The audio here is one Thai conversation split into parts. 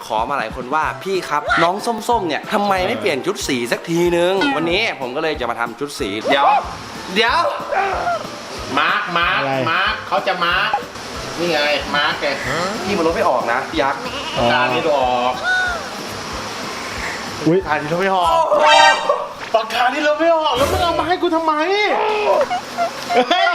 ขอมาหลายคนว่าพี่ครับน้องส้มๆเนี่ยทำไมไม่เปลี่ยนชุดสีสักทีนึงวันนี้ผมก็เลยจะมาทำชุดสีเดี๋ยวมาร์คเขาจะมาร์คนี่ไงมาร์คแกพี่มันลดไม่ออกนะพี่ยักษ์ตานี่ดูออกปากกาที่เราไม่ออกปากกาที่เราไม่ออกแล้วมึงเอามาให้กูทำไมเฮ้ย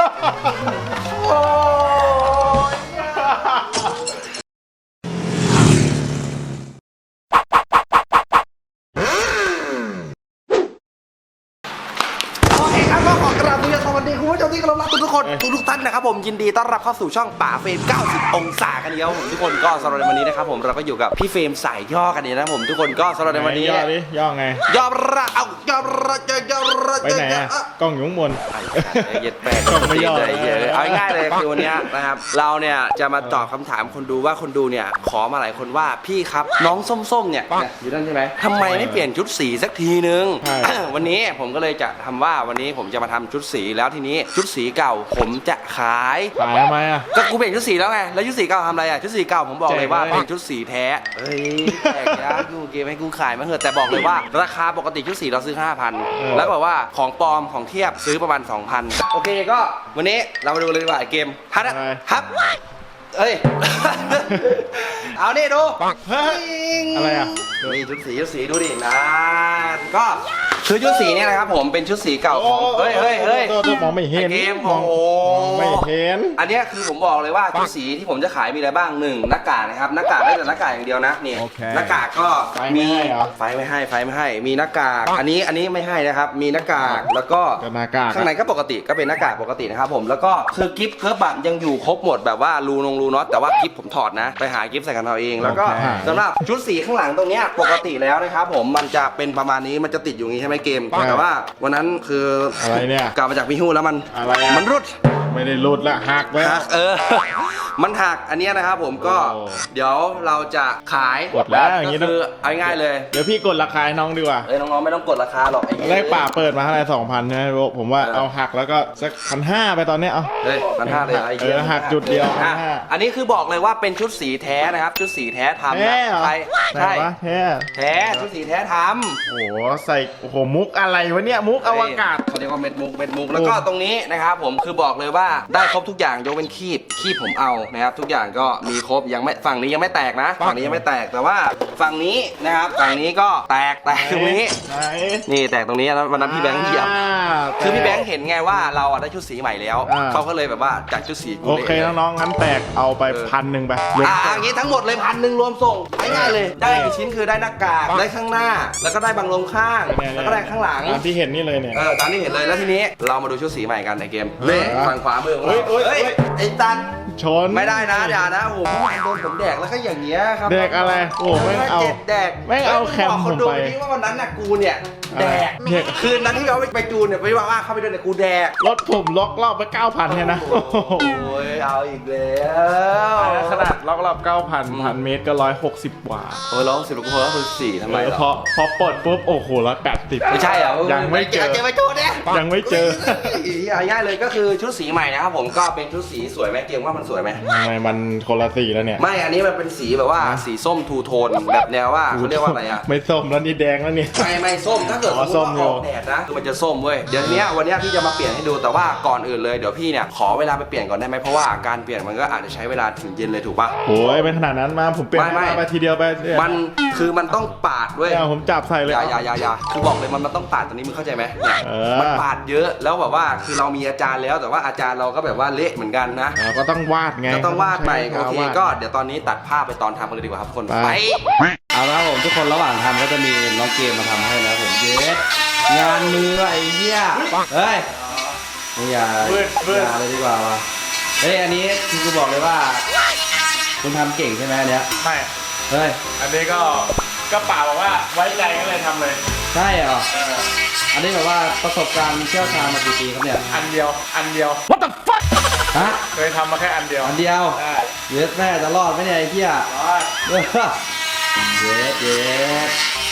สวัสดีคุณผู้ชมที่เคารพรักทุกคนทุกท่านนะครับผมยินดีต้อนรับเข้าสู่ช่องป่าเฟรม90องศากันเดียวผมทุกคนก็สำหรับในวันนี้นะครับผมเราก็อยู่กับพี่เฟรมสายย่อกันนี้นะผมทุกคนก็สำหรับในวันนี้ย่อไงย่อระเอาย่อระไปไหนอะกล้องอยู่ข้างบนเย็ดแปดกล้องไม่ย่อเอาง่ายเลยคือวันนี้นะครับเราเนี่ยจะมาตอบคำถามคนดูว่าคนดูเนี่ยขอมาหลายคนว่าพี่ครับน้องส้มๆเนี่ยอยู่นั่นใช่ไหมทำไมไม่เปลี่ยนชุดสีสักทีนึงวันนี้ผมก็เลยจะทำว่าวันนี้ผมจะมาทำชุดสีแล้วทีนี้ชุดสีเก่าผมจะขายทำไมอ่ะก็กูเปลี่ยนชุดสีแล้วไงแล้วชุดสีเก่าทำอะไรอ่ะชุดสีเก่าผมบอกเลยว่าเป็นชุดสีแท้เฮ้ยแจกยากูเกมให้กูขายมาเถอะแต่บอกเลยว่าราคาปกติชุดสีเราซื้อ 5,000 แล้วบอกว่าของปลอมของเทียบซื้อประมาณ 2,000 โอเคก็วันนี้เรามาดูเลยดีกว่าเกมฮับเอ้ยเอานี่ดูอะไรอ่ะนี่ชุดสีดูดินะก็คือชุดสีเนี่ยนะครับผมเป็นชุดสีเก่าของเฮ้ยมองไม่เห็นเกมมองไม่เห็นอันนี้คือผมบอกเลยว่าชุดสีที่ผมจะขายมีอะไรบ้าง1หน้ากากนะครับหน้ากากได้แต่หน้ากากอย่างเดียวนะนี่หน้ากากก็มีไฟไม่ให้มีหน้ากากอันนี้ไม่ให้นะครับมีหน้ากากแล้วก็ข้างในก็ปกติก็เป็นหน้ากากปกตินะครับผมแล้วก็คือกิฟต์เคิร์ฟแบบยังอยู่ครบหมดแบบว่ารูน็อตแต่ว่ากิฟต์ผมถอดนะไปหากิฟต์ใส่กันเอาเองแล้วก็สำหรับชุดสีข้างหลังตรงเนี้ยปกติแล้วนะครับผมมันจะเป็นประมาณนี้มันจะติดอยู่อย่างนี้ใช่ไหมเกมแต่ว่าวันนั้นคืออะไรเนี่ยกลับมาจากพิฮูแล้วมันรุดไม่ได้รุดละหักแล้วมันหักอันนี้นะครับผมก็เดี๋ยวเราจะขายกดแล้วอย่างนี้คือเอาง่ายเลยเดี๋ยวพี่กดราคาให้น้องดีกว่าน้องๆไม่ต้องกดราคาหรอกแรกป่าเปิดมาเท่าไหร่2,000นะผมว่าเอาหักแล้วก็สัก1,500ไปตอนนี้เอา 1,500เลยหักจุดเดียวอันนี้คือบอกเลยว่าเป็นชุดสีแท้นะครับชุดสีแท้ทำนะใช่แท้ชุดสีแท้ทำโอ้โหใส่โอ้โหมุกอะไรวะเนี่ยมุกอวกาศเขาเรียกว่าเม็ดมุกแล้วก็ตรงนี้นะครับผมคือบอกเลยว่าได้ครบทุกอย่างยกเป็นคีบผมเอานะครับทุกอย่างก็มีครบยังไม่ฝั่งนี้ยังไม่แตกนะฝั่งนี้ยังไม่แตกแต่ว่าฝั่งนี้นะครับฝั่งนี้ก็แตกตรงนี้นี่แตกตรงนี้แล้ววันนั้นพี่แบงค์เหยียบคือพี่แบงค์เห็นไงว่าเราได้ชุดสีใหม่แล้วเขาก็เลยแบบว่าจากชุดสีโอเคน้องๆงั้นแตกเอาไป1,000ไปอย่างนี้ทั้งหมดเลย1,000รวมส่งง่ายเลยได้กี่ชิ้นคือได้หน้ากากได้ข้างหน้าแล้วก็ได้บังลมข้างแล้วก็ได้ข้างหลังตามที่เห็นนี่เลยเนี่ยตามที่เห็นเลยแล้วทีนี้เรามาดูชุดสีใหม่กันในเกมเล่ฝั่งขวามือของเราไอ้ตันชนไม่ได้นะอย่านะโอ้โหโดนผมแดกแล้วก็อย่างเงี้ยครับแดกอะไรโอ้ไม่เอาแดกไม่เอาแคมผมไปที่ว่าวันนั้นน่ะกูเนี่ยแดกคืนนั้นที่เราไปจูนเนี่ยไปว่าเข้าไปด้วยเนี่ยกูแดกรถผมล็อกรอบไป 9,000เนี่ยนะโอ้ยเอาอีกแล้วขนาดล็อกรอบ 9,000 1,000 เมตรก็160 กว่า 160ลูกคนก็คือ4ทำไมพอปลดปุ๊บโอ้โห180 ไม่ใช่เหรอยังไม่เจอไปจูนเนี่ยยังไม่เจอง่ายเลยก็คือชุดสีใหม่นะครับผมก็เป็นชุดสีสวยไหมเกมว่ามันสวยไหมมันคนละสีแล้วเนี่ยไม่อันนี้มันเป็นสีแบบว่าสีส้มทูโทนแบบแนวว่าเขาเรียกว่าอะไรอ่ะไม่ส้มแล้วนี่แดงแล้วเนี่ยไม่ส้มถ้าเกิดส้มออกแดดนะคือมันจะส้มเว้ยเดี๋ยวนี้วันนี้พี่จะมาเปลี่ยนให้ดูแต่ว่าก่อนอื่นเลยเดี๋ยวพี่เนี่ยขอเวลาไปเปลี่ยนก่อนได้ไหมเพราะว่าการเปลี่ยนมันก็อาจจะใช้เวลาถึงเย็นเลยถูกป่ะโอ้ยเป็นขนาดนั้นมาผมเปลี่ยนไปทีเดียวไปมันคือมันต้องปาดเว้ยผมจับใส่เลยอย่าคือบอกเลยมันต้องปาดตอนนี้มึงเข้าใจไหมมันปาดเยอะแล้วแบบว่าคือเรามีอาจารย์แล้วแต่ว่าอาจารย์เราก็แบบว่าเละเหมือนกันนะก็ต้องวาดไงก็ต้องวาดไปโอเคก็เดี๋ยวตอนนี้ตัดภาพไปตอนทำกันเลยดีกว่าครับทุกคนไปเอาละผมทุกคนระหว่างทำก็จะมีน้องเกมมาทำให้นะผมเยสงานมือไอ้เหี้ยเฮ้ยไม่อย่าเลยดีกว่าวะเฮ้ยอันนี้คือกูบอกเลยว่าคุณทำเก่งใช่ไหมอันเนี้ยไม่เฮ้ยอันนี้ก็ป่าบอกว่าไว้ใจก็เลยทำเลยใช่เหรออันนี้แบบว่าประสบการณ์เชี่ยวชาญมากี่ปีครับเนี่ยอันเดียว What the fuck ฮะเคยทำมาแค่อันเดียวเยสแม่จะรอดไหมเนี่ยไอ้เหี้ยเยส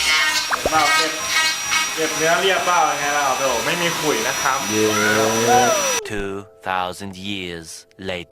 เก็บเนื้อเรียบเปล่าไงเราโดไม่มีขุยนะครับ 2,000 years later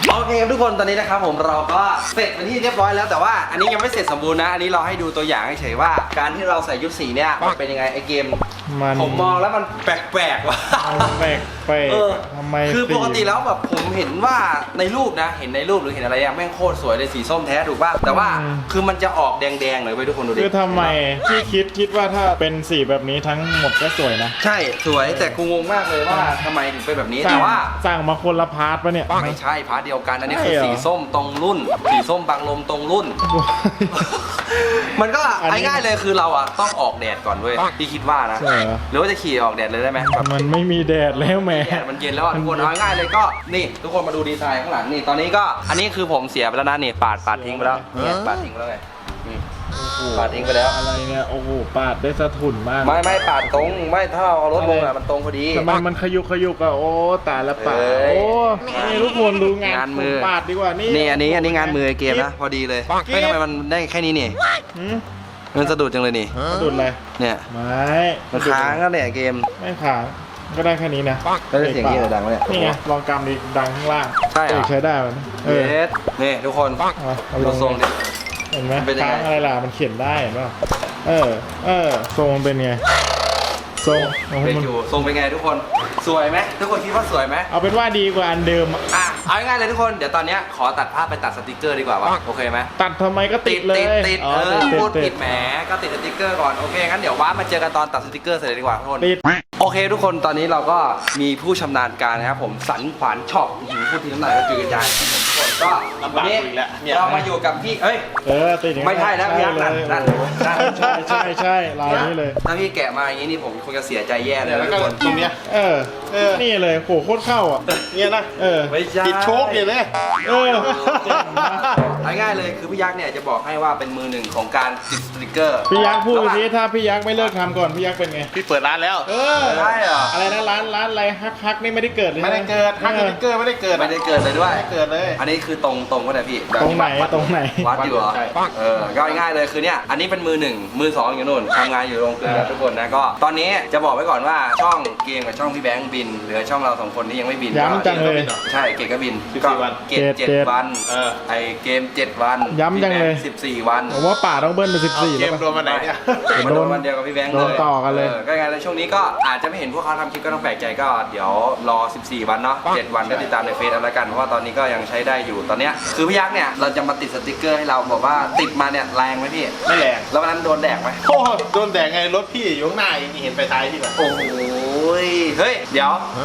โอเคครับทุกคนตอนนี้นะครับผมเราก็เสร็จเป็นที่เรียบร้อยแล้วแต่ว่าอันนี้ยังไม่เสร็จสมบูรณ์นะอันนี้เราให้ดูตัวอย่างเฉยๆว่าการที่เราใส่ชุดสีเนี่ยมันเป็นยังไงไอเกมมันผมมองแล้วมันแปลกๆว่ะแปลกแปลกเออทำไมคือปกติแล้วแบบผมเห็นว่าในรูปนะเห็นในรูปหรือเห็นอะไรอะแม่งโคตรสวยเลยสีส้มแท้ถูกป่ะแต่ว่าคือมันจะออกแดงๆเลยไปทุกคนดูดิคือทำไมที่คิดว่าถ้าเป็นสีแบบนี้ทั้งหมดก็สวยนะใช่สวยแต่กูงงมากเลยว่าทำไมถึงเป็นแบบนี้สั่แต่งว่าสั่งมาคนละพาร์ทปะเนี่ยไม่ใช่พาร์ทเดียวกันอันนี้คือใช่เหรอสีส้มตรงรุ่น สีส้มบางลมตรงรุ่น มันก็อันนี้ง่ายๆเลยคือเราอ่ะต้องออกแดดก่อนเว้ยพี่คิดว่านะใช่เหรอหรือว่าจะขี่ออกแดดเลยได้ไหมแบบมันไม่มีแดดแล้วแหม่แดดมันเย็นแล้วอ่ะทุกคนเอาง่ายๆเลยก็นี่ทุกคนมาดูดีไซน์ข้างหลังนี่ตอนนี้ก็อันนี้คือผมเสียไปแล้วนะนี่ปาดทิ้งไปแล้วเนี่ยปาดทิ้งไปแล้วไงนี่ปาดทิ้งไปแล้วอะไรเนี่ยโอ้โหปาดได้สะทุนมากไม่ปาดตรงไม่ถ้าเราเอารถลงอ่ะมันตรงพอดีทำไมมันขยุกอะโอ้ตายละปาดเอ้ยโอ้นี่ทุกคนดูงานงานมือปาดดีกว่านี่นี่อันนี้งานมือเกมนะพอดีเลยไม่ทำไมมันได้แค่นี้นี่หืมมันสะดุดจังเลยนี่สะดุดเลยเนี่ยไม่มันค้างก็เนี่ยเกมไม่ค้างก็ได้แค่นี้นะแล้วเสียงที่ดังวะเนี่ยนี่ไงลองกำดิดังข้างล่างใช่เหรอใช้ได้มันเยสนี่ทุกคนเอาลดูงทรงดิเห็นไหมเป็นยังไงค้างอะไรล่ะมันเขียนได้เห็นป่ะทรงมันเป็นไงทรงโอ้โหเป็นมันอยู่ทรงเป็นไงทุกคนสวยไหมทุกคนคิดว่าสวยไหมเอาเป็นว่าดีกว่าอันเดิมอะอ่ะเอาง่ายๆเลยทุกคนเดี๋ยวตอนเนี้ยขอตัดภาพไปตัดสติกเกอร์ดีกว่าวะโอเคไหมตัดทำไมก็ติดเลยติดอ๋อพูดติผิดแหมก็ติดสติกเกอร์ก่อนโอเคงั้นเดี๋ยวว้ามาเจอกันตอนตัดสติกเกอร์เสร็จเลยดีกว่าทุกคนติดโอเคทุกคนตอนนี้เราก็มีผู้ชำนาญการนะครับผมสันขวานช็อปพูดทีน้ำลายก็จืดกระจายทุกคนก็วันนี้เรามาอยู่กับพี่ติดอย่างนั้นไม่ใช่นะพี่ยักษ์นั่นใช่ลายนี้เลยถ้าพี่แกะมาอย่างนี้นี่ผมคงจะเสียใจแย่เลยแล้วทุก็กคนตรงเนี้ยนี่เลยโหโคตรเข้าอ่ะเนี่ยนะไม่ใช่ติดโชคเนี่ยเลยเจ๋งนะเอาง่ายๆเลยคือพี่ยักษ์เนี่ยจะบอกให้ว่าเป็นมือหนึ่งของการติดสติกเกอร์พี่ยักษ์พูดทีถ้าพี่ยักษ์ไม่เลิกทำก่อนพี่ยักษ์เป็นไงพี่เปิดร้านแล้วใช่เหรออะไรนะร้านอะไรฮักนี่ไม่ได้เกิดเลยไม่ได้เกิดฮักสติ๊กเกอร์ไม่ได้เกิดไม่ได้เกิดเลยด้วยไม่ได้เกิดเลยอันนี้คือตรงก็ได้พี่ตรงไหนตรงไหนวัดอยู่เหรอใช่ก็ง่ายๆเลยคือเนี่ยอันนี้เป็นมือหนึ่งมือสองอยู่นู่นทำงานอยู่โรงเกลือทุกคนนะก็ตอนนี้จะบอกไว้ก่อนว่าช่องเกมกับช่องพี่แบงค์บินเหลือช่องเราสองคนที่ยังไม่บินย้ำจังเลยใช่เกมก็บิน 14 วันเกม7 วัน ไอเกม7 วันย้ำจังเลย 14 วันผมว่าป่าต้องเบิ้ลเป็นเอา 14 เกแล้วมป่ะรวมมาไหนเนี่ยมันโดนวันเดียวกับพี่แบงค์เลยโดนต่อกันเลยก็ไงแล้วช่วงนี้ก็อาจจะไม่เห็นพวกเขาทำคลิปก็ต้องแปลกใจก็เดี๋ยวรอ 14 วันเนาะ7 วันก็ติดตามในเฟซเอาละกันเพราะว่าตอนนี้ก็ยังใช้ได้อยู่ตอนเนี้ยคือพี่ยักษ์เนี่ยเราจะมาติดสติกเกอร์ให้เราบอกว่าติดมาเนี่ยแรงไหมพี่ไม่แรงแล้ววันนั้นโดนแดกไหมโอ้โดนแดดไงรถพี่อยู่ข้างหน้าอย่างนี้เห็นไปท้ายพี่แบบโอ้ยเฮ้ยเดี๋ยว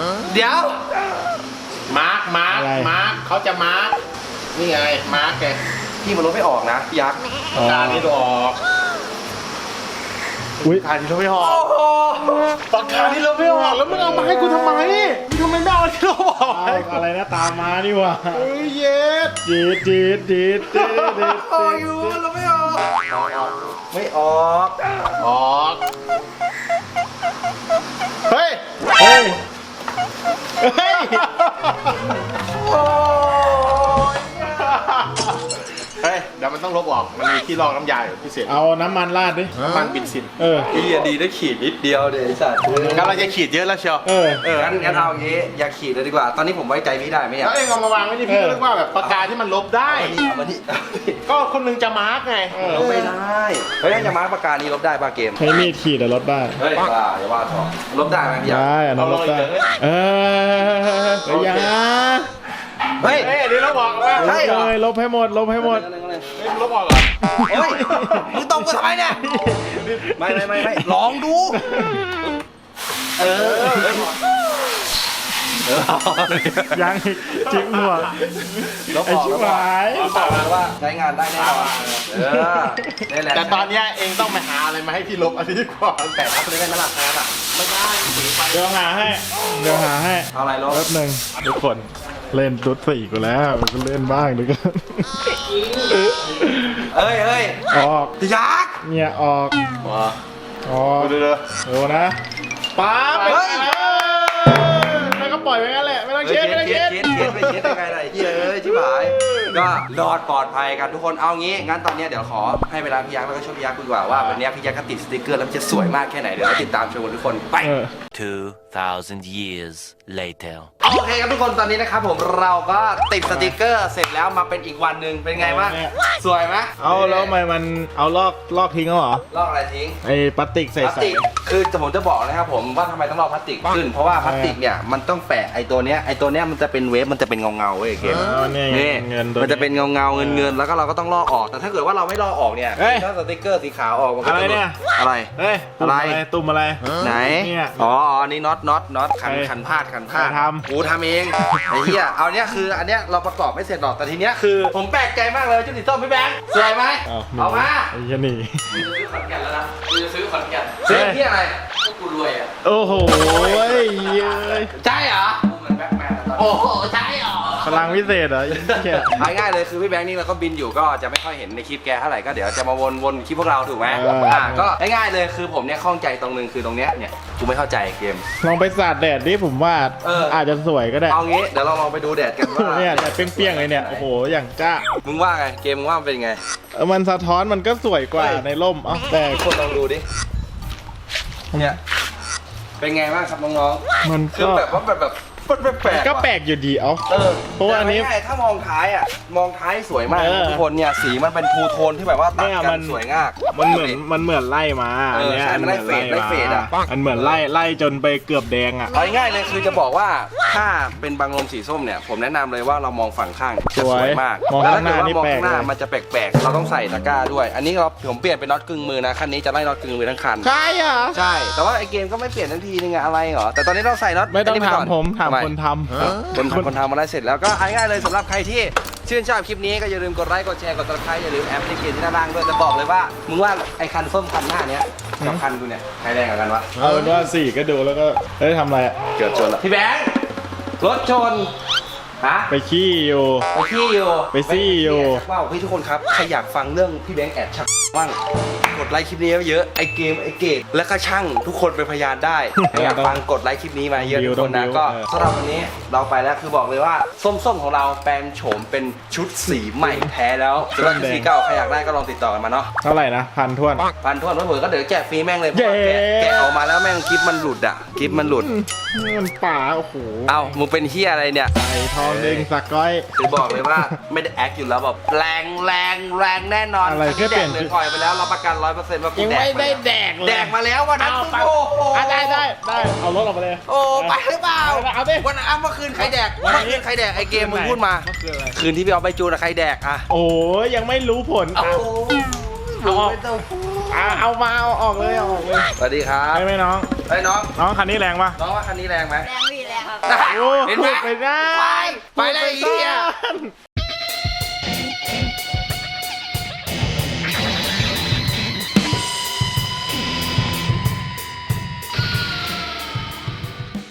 มาร์คอะไรเขาจะมาร์คนี่ไงมาร์คแกพี่มันลดไม่ออกนะพี่ยักษ์อ๋อการที่เราออกอุ้ยการที่เราไม่ออกปากกาที่เราไม่ออกแล้วมึงเอามาให้กูทำไมมึงทำไมไม่เอาที่เราบอกเอาอะไรนะตามมานี่หว่าเฮ้ยเย็ดดีดโอ้ยเราไม่ออกไม่ออกออกเฮ้ยเฮ้ยเฮ้ยโอ้ยเฮ้ยเดี๋ยวมันต้องลบออกมันมีที่รองน้ำยาอยู่พิเศษเอาน้ำมันราดดิน้ำมันบินซินพี่ดีได้ขีดนิดเดียวเดี๋ยวไอ้สัตว์งั้นเราจะขีดเยอะแล้วเชียวงั้นเอาอย่างงี้อย่าขีดเลยดีกว่า ตอนนี้ผมไว้ใจพี่ได้ไหมเนี่ยแล้วเองเอามาวางไว้ที่พี่ก็นึกว่าแบบปากกาที่มันลบได้เอามานี่ก็คนหนึงจะมาร์กไงลบไม่ได้เฮ้ยจะมาร์คปากกานี้ลบได้ป่ะเกมใช้มีดขีดแต่ลดได้เฮ้ยว่าอย่าว่าทอลบได้ไหมพี่ยักษ์ได้อันนั้นลดได้อย่าเฮ้ยเฮ้ยนี่เราบอกว่าใช่เหรอลบให้หมดลบให้หมดเฮ้ยมันลบออกเหรอเฮ้ยมึงตรงกูทำไมเนี่ยไม่ลองดูเออยังอีกจิ้มหัวลบไอ้ออกชิบลบออกหายบอกว่าใช้งานได้แน่นอนนี่แหละแต่ตอนเนี้ยเองต้องไปหาอะไรมาให้พี่ลบอันนี้ก่อนแต่ทับเลยได้ไหมล่ะแพ้อ่ะไม่ได้สีไฟเดี๋ยวหาให้เอาอะไรลบแป๊บหนึ่งทุกคนเล่นตุ๊ดสี่กูแล้วก็เล่นบ้างเดี๋ยวก็เฮ้ยออกยักษ์เนี่ยออกว้าออกดูดูนะป๊าบไปเฮ้ยแล้วก็ปล่อยไปงั้นแหละไม่ต้องเช็ดไม่ต้องเช็ดไปเช็ดยังไงล่ะไอ้เหี้ยเอ้ยชิบหายก็รอดปลอดภัยกันทุกคนเอางี้งั้นตอนนี้เดี๋ยวขอให้เวลาพี่ยักษ์แล้วก็ช่วยพี่ยักษ์คุยดีกว่าว่าวันนี้พี่ยักษ์ก็ติดสติ๊กเกอร์แล้วมันจะสวยมากแค่ไหนเดี๋ยวเราติดตามชมกันทุกคนไป 2,000 years later. โอเคครับทุกคนตอนนี้นะครับผมเราก็ติดสติกเกอร์เสร็จแล้วมาเป็นอีกวันหนึ่งเป็นไงบ้างสวยไหมเอาแล้วทำไมมันเอาลอกทิ้งแล้วเหรอลอกอะไรทิ้งไอ้พลาสติกใส่พลาสติกคือผมจะบอกนะครับผมว่าทำไมต้องลอกพลาสติกขึ้นเพราะว่าพลาสติกเนี่ยมันต้องแปะไอ้ตัวเนี้ยมันจะเป็นเวฟมันจะเป็นเงาเว้ยเกมนี่เงินตัวมันจะเป็นเงาเงินแล้วก็เราก็ต้องลอกออกแต่ถ้าเกิดว่าเราไม่ลอกออกเนี่ยเฮ้ยถ้าสติกเกอร์สีขาวออกมันก็อะไรจะหลุดเนี่ยอะไรเฮ้ยอะไรตุ่มอะไรไหนเนี่ยอ๋ออันนี้น็อตขันพาดใครทำกูทำเองไอ้เหี้ยเอาเนี้ยคืออันเนี้ยเราประกอบไม่เสร็จหรอกแต่ทีเนี้ยคือผมแปลกใจมากเลยจุดสีส้มพี่แบงค์สวยไหมเอามาไอ้ยันนี่กูจะซื้อขอนแก่นแล้วนะกูจะซื้อขอนแก่นซื้อที่อะไรก็กูรวยอ่ะโอ้โหเย้ยใช่เหรอกูเหมือนแบ็คแมนโอ้โหใช่เหรอพลังวิเศษเหรอเหี้ยเอาง่ายๆเลยคือพี่แบงค์นี่เราก็บินอยู่ก็จะไม่ค่อยเห็นในคลิปแกเท่าไหร่ก็เดี๋ยวจะมาวนคลิปพวกเราถูกไหมก็ง่ายๆเลยคือผมเนี่ยข้องใจตรงนึงคือตรงเนี้ยเนี่ยกูไม่เข้าใจเกมลองไปสาดแดดดิผมว่า อาจจะสวยก็ได้เอางี้เดี๋ยวเราลองไปดูแดดกันว่าเนี่ยแต่เปรี้ยงๆเลยเนี่ยโอ้โหอย่างจ้ามึงว่าไงเกมมึงว่ามันเป็นไงมันสะท้อนมันก็สวยกว่าเฮ้ยในร่มเอ้าแต่คนลองดูดิเนี่ยเป็นไงบ้างครับน้องมันๆคือก็แบบว่าแบบแปลกๆก็ว่ะแปลกอยู่ดีเอ้า เพราะว่าอันนี้แต่ง่ายๆถ้ามองท้ายอ่ะมองท้ายสวยมากเออทุกคนเนี่ยสีมันเป็นทูโทนที่แบบว่าตัดเนี่ยกัมัน นสวยงามมันเหมือนไล่มาเออเนี่ยใช่มันไล่เฟดไล่เฟดอะมันเหมือนไล่จนไปเกือบแดงอ่ะเอาง่ายๆเลยคือจะบอกว่าถ้าเป็นบางลมสีส้มเนี่ยผมแนะนำเลยว่าเรามองฝั่งข้างจะสวยมากมองแล้วข้างหน้านี่มองแปลกข้างหน้าเลยมันจะแปลกๆเราต้องใส่ตะกร้าด้วย อันนี้ผมเปลี่ยนเป็นน็อตกึ่งมือนะคันนี้จะไล่น็อตกึ่งมือทั้งคันใช่เหรอใช่แต่ว่าไอเกมก็ไม่เปลี่ยนทันทีนึงอะอะไรเหรอแต่ตอนนี้เราใส่น็อตไม่ต้องนนี้ปถามก่อนผมถามทำไคนทำคนทำมาได้เสร็จแล้วก็เอาง่ายๆเลยสำหรับใครที่ชื่นชอบคลิปนี้ก็อย่าลืมกดไลค์กดแชร์กดติดตามอย่าลืมแอปพลิเคชันที่ด้านล่างด้วยจะบอกเลยว่ามึงว่าไอคันส้มคันหน้าเนี้ยกับคันกูเนี่ยใครแรงกว่ากันวะเอาเป็นว่าสี่ก็ดูแล้วก็เฮ้ยทำอะไรอะเกือบชนแล้วพี่แบงค์รถชนฮะไปขี้อยู่ไปขี้อยู่ไปซี่อยู่ว้าวเฮ้ยทุกคนครับใครอยากฟังเรื่องพี่แบงค์แอบชักบ้างกดไลค์คลิปนี้เยอะไอเกมไอเกตและก็ช่างทุกคนเป็นพยานได้ใครอยากฟังกดไลค์คลิปนี้มาเยอะทุกคนนะก็สำหรับวันนี้เราไปแล้วคือบอกเลยว่าส้มๆของเราแปลงโฉมเป็นชุดสีใหม่แท้แล้วสำหรับชุดสีเก่าใครอยากได้ก็ลองติดต่อกันมาเนาะเท่าไหร่นะพันท้วนพันทวนเผื่อก็เดี๋ยวแจกฟรีแม่งเลยเพราะว่าเย้แกะออกมาแล้วแม่งคลิปมันหลุดอ่ะคลิปมันหลุดมันป่าโอ้โหเอ้ามึงเป็นเฮียอะไรเนี่ยไอ้ทองเด้งสักก้อยคือบอกเลยว่าไม่ได้แอคอยู่แล้วแบบแรงแน่นอนอะไรแค่เปลี่ยนแดกเลยปล่อยไปแล้วรับประกัน 100%ว่ากูยังแดกไม่ได้แดกเลยแดกมาแล้ววันนั้นเอาไปโอ้โหได้เอารถออกมาเลยโอ้ไปหรือเปล่าเอาดิวันนั้นเมื่อคืนใครแดกวันเมื่อนี้คืนใครแดกไอเกมมึงพูดมาเมื่อคืนอะไรคืนที่พี่เอาไปจูนอะใครแดกอะโอ้ยยังไม่รู้ผลโอ้เอาออกเอามาเอาออกเลยเอาออกเลยสวัสดีครับใช่ไหมน้องไอ้ยน้องน้องคันนี้แรงปะน้องว่าคันนี้แรงไหมแรงพี่แรงครับโอ้เห็นไหมพูดไปได้ไปเลยไอ้เหี้ยพูดไป